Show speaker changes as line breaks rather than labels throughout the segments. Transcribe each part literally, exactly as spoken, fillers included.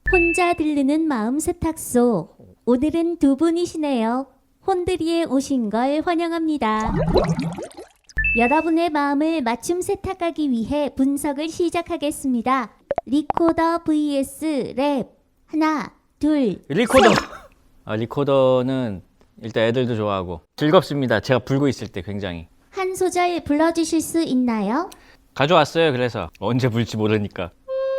혼자 들르는 마음 세탁소. 오늘은 두 분이시네요. 혼드리에 오신 걸 환영합니다. 여러분의 마음을 맞춤 세탁하기 위해 분석을 시작하겠습니다. 리코더 vs 랩. 하나, 둘,
리코더.
셋.
아, 리코더는 일단 애들도 좋아하고 즐겁습니다. 제가 불고 있을 때 굉장히.
한 소절 불러주실 수 있나요?
가져왔어요. 그래서 언제 불지 모르니까.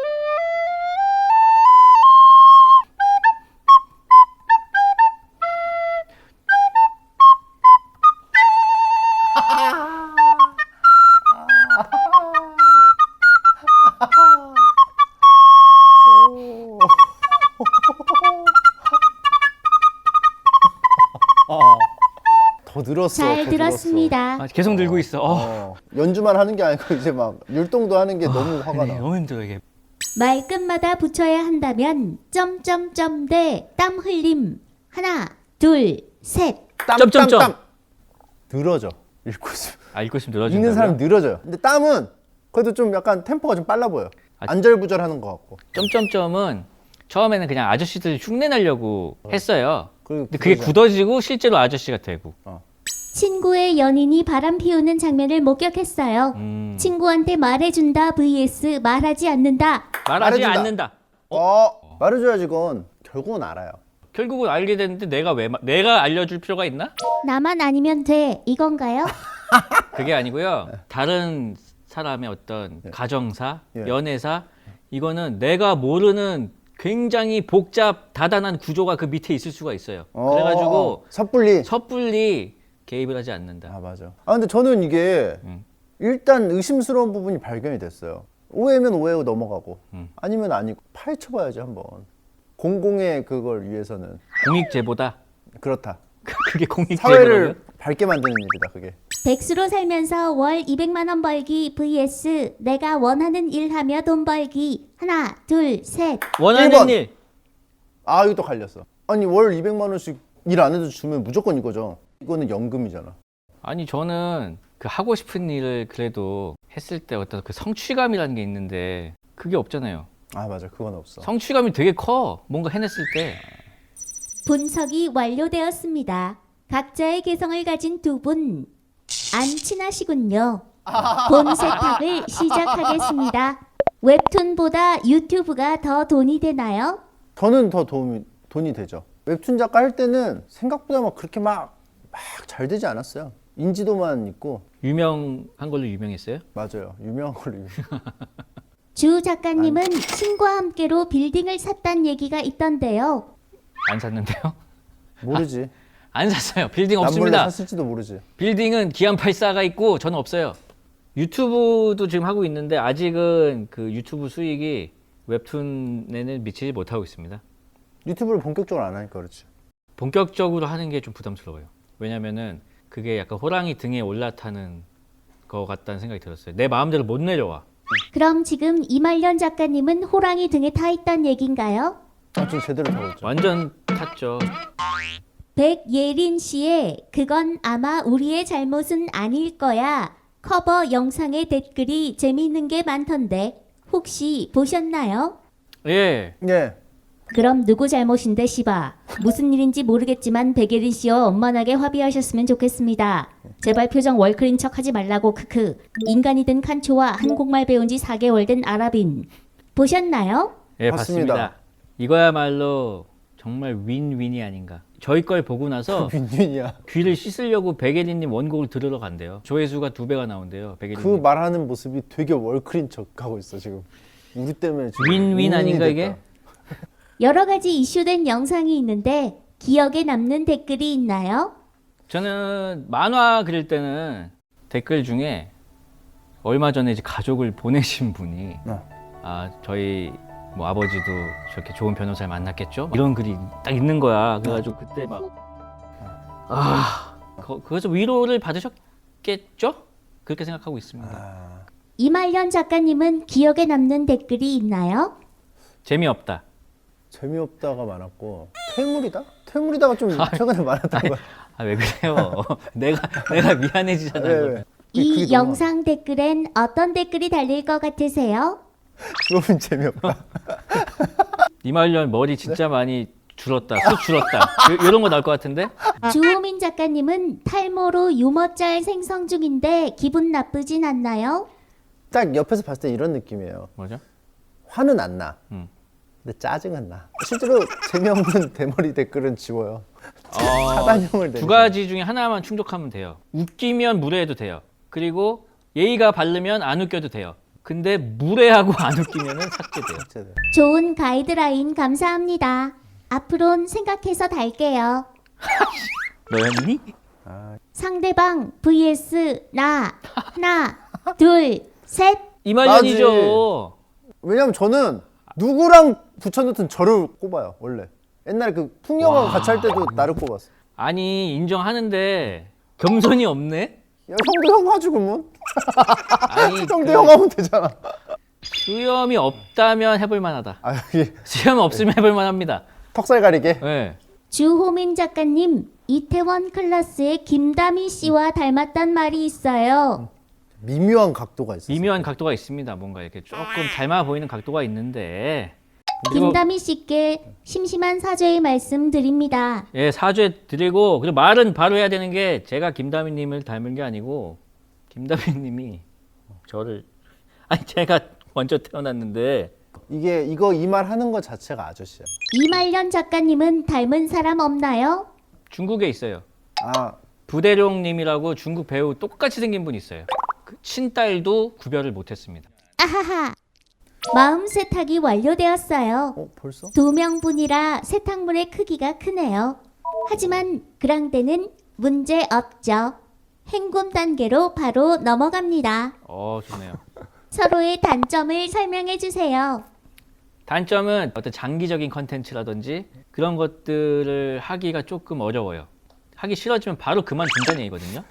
더 늘었어.
잘
더
들었습니다.
아, 계속 늘고 있어. 어.
늘었어. 어, 연주만 하는 게 아니고 이제 막 율동도 하는 게 너무 화가
네,
나.
너무 힘들어 이게.
말끝마다 붙여야 한다면 점점점 대 땀 흘림. 하나, 둘, 셋.
땀,
점점점.
땀, 땀. 늘어져. 읽고 있으면.
아, 읽고 있으면 늘어진다고요?
읽는 사람 늘어져요. 근데 땀은 그래도 좀 약간 템포가 좀 빨라 보여.
아,
안절부절하는 것 같고.
점점점은 처음에는 그냥 아저씨들 흉내 내려고 했어요.
그리고
근데 그게
굳어져.
굳어지고 실제로 아저씨가 되고.
친구의 연인이 바람 피우는 장면을 목격했어요.
음.
친구한테 말해준다 vs 말하지 않는다.
말하지
말해준다.
않는다.
어, 말해줘야지 그건. 결국은 알아요.
결국은 알게 됐는데 내가 왜 마- 내가 알려줄 필요가 있나?
나만 아니면 돼. 이건가요?
그게 아니고요. 다른 사람의 어떤 가정사,
예.
연애사 이거는 내가 모르는 굉장히 복잡 다단한 구조가 그 밑에 있을 수가 있어요.
어,
그래가지고
섣불리.
섣불리 개입을 하지 않는다.
아 맞아. 아 근데 저는 이게
음.
일단 의심스러운 부분이 발견이 됐어요. 오해면 오해고 넘어가고
음.
아니면 아니고 파헤쳐봐야지 한번. 공공의 그걸 위해서는
공익제보다.
그렇다.
그게 공익제보라고요?
사회를 밝게 만드는 일이다 그게.
백수로 살면서 월 이백만 원 벌기 vs 내가 원하는 일 하며 돈 벌기. 하나, 둘, 셋.
원하는
일 번.
일.
아 이거 또 갈렸어. 아니 월 이백만 원씩 일 안 해도 주면 무조건 이거죠. 이거는 연금이잖아.
아니 저는 그 하고 싶은 일을 그래도 했을 때 어떤 그 성취감이라는 게 있는데 그게 없잖아요.
아 맞아 그건 없어.
성취감이 되게 커. 뭔가 해냈을 때.
분석이 완료되었습니다. 각자의 개성을 가진 두 분. 안 친하시군요. 본 세탁을 시작하겠습니다. 웹툰보다 유튜브가 더 돈이 되나요?
저는 더 도움이 돈이 되죠. 웹툰 작가 할 때는 생각보다 막 그렇게 막 막 잘 되지 않았어요. 인지도만 있고.
유명한 걸로 유명했어요?
맞아요. 유명한 걸로. 유명.
주 작가님은 친구와 함께로 빌딩을 샀단 얘기가 있던데요.
안 샀는데요?
모르지.
안 샀어요. 빌딩
남몰래
없습니다.
샀을지도 모르지.
빌딩은 기안팔십사가 있고 저는 없어요. 유튜브도 지금 하고 있는데 아직은 그 유튜브 수익이 웹툰에는 미치지 못하고 있습니다.
유튜브를 본격적으로 안 하니까 그렇지.
본격적으로 하는 게 좀 부담스러워요. 왜냐면은 그게 약간 호랑이 등에 올라타는 것 같다는 생각이 들었어요. 내 마음대로 못 내려와.
그럼 지금 이말년 작가님은 호랑이 등에 타 있단 얘긴가요?
아, 좀 제대로 타고 있죠.
완전 탔죠.
백예린 씨의 그건 아마 우리의 잘못은 아닐 거야 커버 영상의 댓글이 재미있는 게 많던데 혹시 보셨나요?
예.
예.
그럼 누구 잘못인데 씨바 무슨 일인지 모르겠지만 백예린 씨와 원만하게 합의하셨으면 좋겠습니다. 제발 표정 월클인 척 하지 말라고 크크. 인간이 된 칸초와 한국말 배운 지 사 개월 된 아랍인 보셨나요?
예,
봤습니다.
봤습니다. 이거야말로 정말 윈윈이 아닌가. 저희 걸 보고 나서
윈윈이야.
귀를 씻으려고 백예린님 원곡을 들으러 간대요. 조회수가 두 배가 나온대요. 백예린님.
그 말하는 모습이 되게 월클인 척하고 있어 지금. 우리 때문에 지금
윈윈
윈윈이
아닌가
됐다.
이게?
여러 가지 이슈된 영상이 있는데 기억에 남는 댓글이 있나요?
저는 만화 그릴 때는 댓글 중에 얼마 전에 이제 가족을 보내신 분이
어.
아 저희 뭐 아버지도 저렇게 좋은 변호사를 만났겠죠? 이런 글이 딱 있는 거야. 그래가지고 그때 막아 그래서 위로를 받으셨겠죠? 그렇게 생각하고 있습니다.
아,
이말년 작가님은 기억에 남는 댓글이 있나요?
재미없다.
재미없다가 많았고 퇴물이다? 퇴물이다가 좀 최근에 많았던 거야.
아 왜 그래요? 내가 내가 미안해지잖아요.
왜, 왜?
이
그게 너무
영상 댓글엔 어떤 댓글이 달릴 것 같으세요?
너무 재미없다.
이말년 머리 진짜 많이 줄었다. 숱 줄었다. 요- 요런 거 나올 것 같은데?
주호민 작가님은 탈모로 유머짤 생성 중인데 기분 나쁘진 않나요?
딱 옆에서 봤을 때 이런 느낌이에요.
뭐죠?
화는 안 나.
음.
근데 짜증은 나. 실제로 재미없는 대머리 댓글은 지워요.
어,
차단형을
두
내리죠.
가지 중에 하나만 충족하면 돼요. 웃기면 무례해도 돼요. 그리고 예의가 바르면 안 웃겨도 돼요. 근데 무례하고 안 웃기면은 삭제돼요.
삭제돼요.
좋은 가이드라인 감사합니다. 앞으론 생각해서 달게요.
너였니?
상대방 vs 나 하나 둘 셋.
이말년이죠.
왜냐면 저는 누구랑 붙여놓든 저를 꼽아요. 원래. 옛날에 그 풍경하고 같이 할 때도 나를 꼽았어.
아니 인정하는데 겸손이 없네.
야, 형도 형 하지 그러면?
아니
형도
그
형 하면 되잖아.
수염이 없다면 해볼 만하다.
아 여기
수염 없으면 해볼 만합니다.
턱살 가리게.
네.
주호민 작가님 이태원 클라스의 김다미 씨와 닮았단 말이 있어요.
미묘한 각도가 있어.
미묘한 각도가 있습니다. 뭔가 이렇게 조금 닮아 보이는 각도가 있는데. 그리고
김다미 씨께 심심한 사죄의 말씀 드립니다.
예, 사죄 드리고 그리고 말은 바로 해야 되는 게 제가 김다미님을 닮은 게 아니고 김다미님이 저를 아니 제가 먼저 태어났는데
이게 이거 이 말 하는 것 자체가 아저씨야.
이말년 작가님은 닮은 사람 없나요?
중국에 있어요.
아
부대룡님이라고 중국 배우 똑같이 생긴 분이 있어요. 그 친딸도 구별을 못했습니다.
아하하. 마음 세탁이 완료되었어요.
어 벌써?
두 명분이라 세탁물의 크기가 크네요. 하지만 그랑데는 문제 없죠. 행군 단계로 바로 넘어갑니다.
어 좋네요.
서로의 단점을 설명해 주세요.
단점은 어떤 장기적인 컨텐츠라든지 그런 것들을 하기가 조금 어려워요. 하기 싫어지면 바로 그만둔다는 얘기거든요.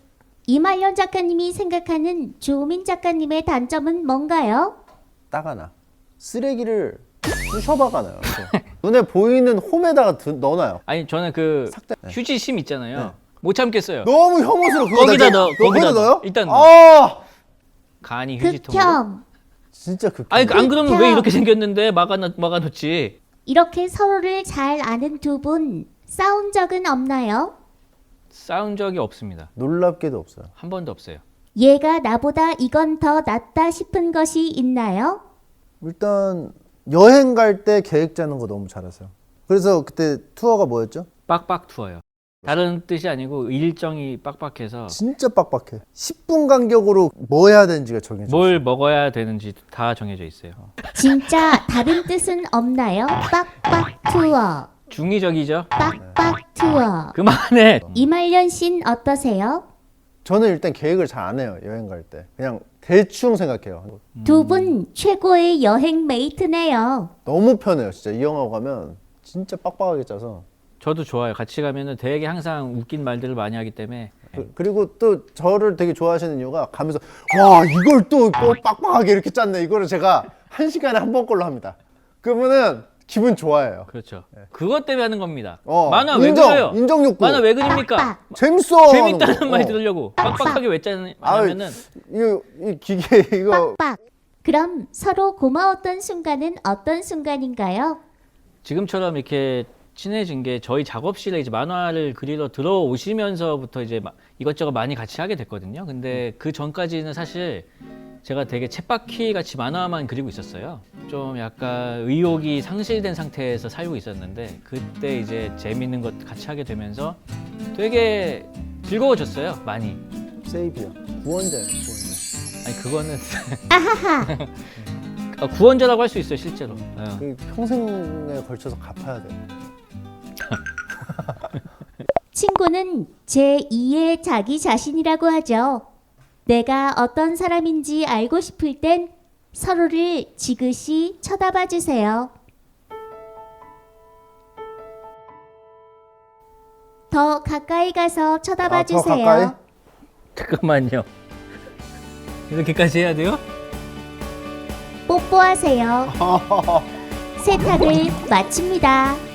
이말년 작가님이 생각하는 주호민 작가님의 단점은 뭔가요?
따가나. 쓰레기를 부셔박아놔요. 눈에 보이는 홈에다가 드, 넣어놔요.
아니 저는 그
삭제.
휴지심 있잖아요.
네.
못 참겠어요.
너무 혐오스러워. 그거
거기다
나-
넣어,
그거
거기다
넣어요?
넣어. 일단 넣어.
아
간이 휴지통으로.
극혐.
진짜 극혐.
아니 안 그러면
극혐.
왜 이렇게 생겼는데 막아놓, 막아놓지.
이렇게 서로를 잘 아는 두 분 싸운 적은 없나요?
싸운 적이 없습니다.
놀랍게도 없어요.
한 번도 없어요.
얘가 나보다 이건 더 낫다 싶은 것이 있나요?
일단 여행 갈 때 계획 짜는 거 너무 잘하세요. 그래서 그때 투어가 뭐였죠?
빡빡 투어요. 다른 뜻이 아니고 일정이 빡빡해서
진짜 빡빡해. 십 분 간격으로 뭐 해야 되는지가 정해져 있어요.
뭘 먹어야 되는지 다 정해져 있어요.
진짜 다른 뜻은 없나요? 빡빡 투어.
중의적이죠.
빡빡 투어.
그만해.
이말년 씨는 어떠세요?
저는 일단 계획을 잘 안 해요. 여행 갈 때. 그냥 대충 생각해요.
두 분 최고의 여행 메이트네요.
너무 편해요. 진짜 이 형하고 가면 진짜 빡빡하게 짜서.
저도 좋아요. 같이 가면은 되게 항상 웃긴 말들을 많이 하기 때문에
그, 그리고 또 저를 되게 좋아하시는 이유가 가면서 와 이걸 또, 또 빡빡하게 이렇게 짰네. 이거를 제가 한 시간에 한 번 걸로 합니다. 그러면은 기분 좋아해요.
그렇죠. 그것 때문에 하는 겁니다.
어,
만화 왜
인정,
그려요?
인정 욕구.
만화 왜 그립니까?
빡빡.
재밌어.
재밌다는
하는 거.
말이
어.
들으려고 빡빡하게 왜 짜냐면은
이거 이 기계 이거
빡빡. 그럼 서로 고마웠던 순간은 어떤 순간인가요?
지금처럼 이렇게 친해진 게 저희 작업실에 이제 만화를 그리러 들어오시면서부터 이제 마- 이것저것 많이 같이 하게 됐거든요. 근데 그 전까지는 사실 제가 되게 쳇바퀴 같이 만화만 그리고 있었어요. 좀 약간 의욕이 상실된 상태에서 살고 있었는데 그때 이제 재밌는 것 같이 하게 되면서 되게 즐거워졌어요. 많이.
세이비야. 구원자예요. 구원자.
아니 그거는
아하하.
아, 구원자라고 할 수 있어요, 실제로. 어.
그 평생에 걸쳐서 갚아야 돼.
친구는 제이의 자기 자신이라고 하죠. 내가 어떤 사람인지 알고 싶을 땐 서로를 지그시 쳐다봐 주세요. 더 가까이 가서 쳐다봐
아, 더
주세요.
가까이?
잠깐만요. 이렇게까지 해야 돼요?
뽀뽀하세요. 세탁을 마칩니다.